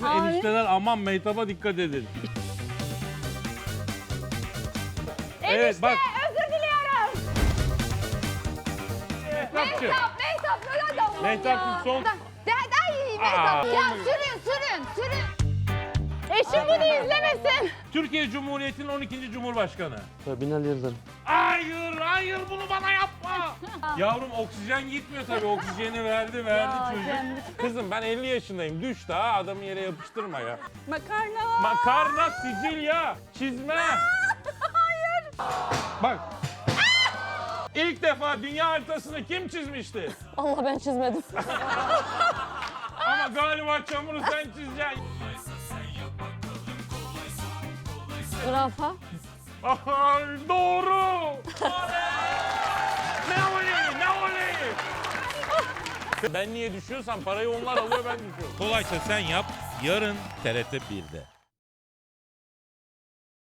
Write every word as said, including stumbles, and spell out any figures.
bütün Abi. enişteler aman Mehtap'a dikkat edin. Evet Enişte bak. özür diliyorum. Mehtapçı. Mehtap, Mehtap böyle adamım Mehtapçım, ya. son- Da, de, ay Mehtap. Aa, Ya olmuyor. sürün, sürün, sürün. Eşim bunu izlemesin. Türkiye Cumhuriyeti'nin on ikinci Cumhurbaşkanı. Binali Yıldırım. Hayır, hayır bunu bana yapma. Yavrum oksijen gitmiyor tabii. Oksijeni verdi, verdi Ya çocuk. canım. Kızım ben elli yaşındayım. Düş daha adamı yere yapıştırma ya. Makarna. Makarna, Sicilya, çizme. Hayır. Bak. İlk defa dünya haritasını kim çizmişti? Allah ben çizmedim. Ama galiba çamuru sen çizeceksin. Zürafa. Ay, doğru. Ne oley, ne oley. Ben niye düşüyorsam parayı onlar alıyor, ben düşüyorum. Kolaysa sen yap, yarın T R T bir'de.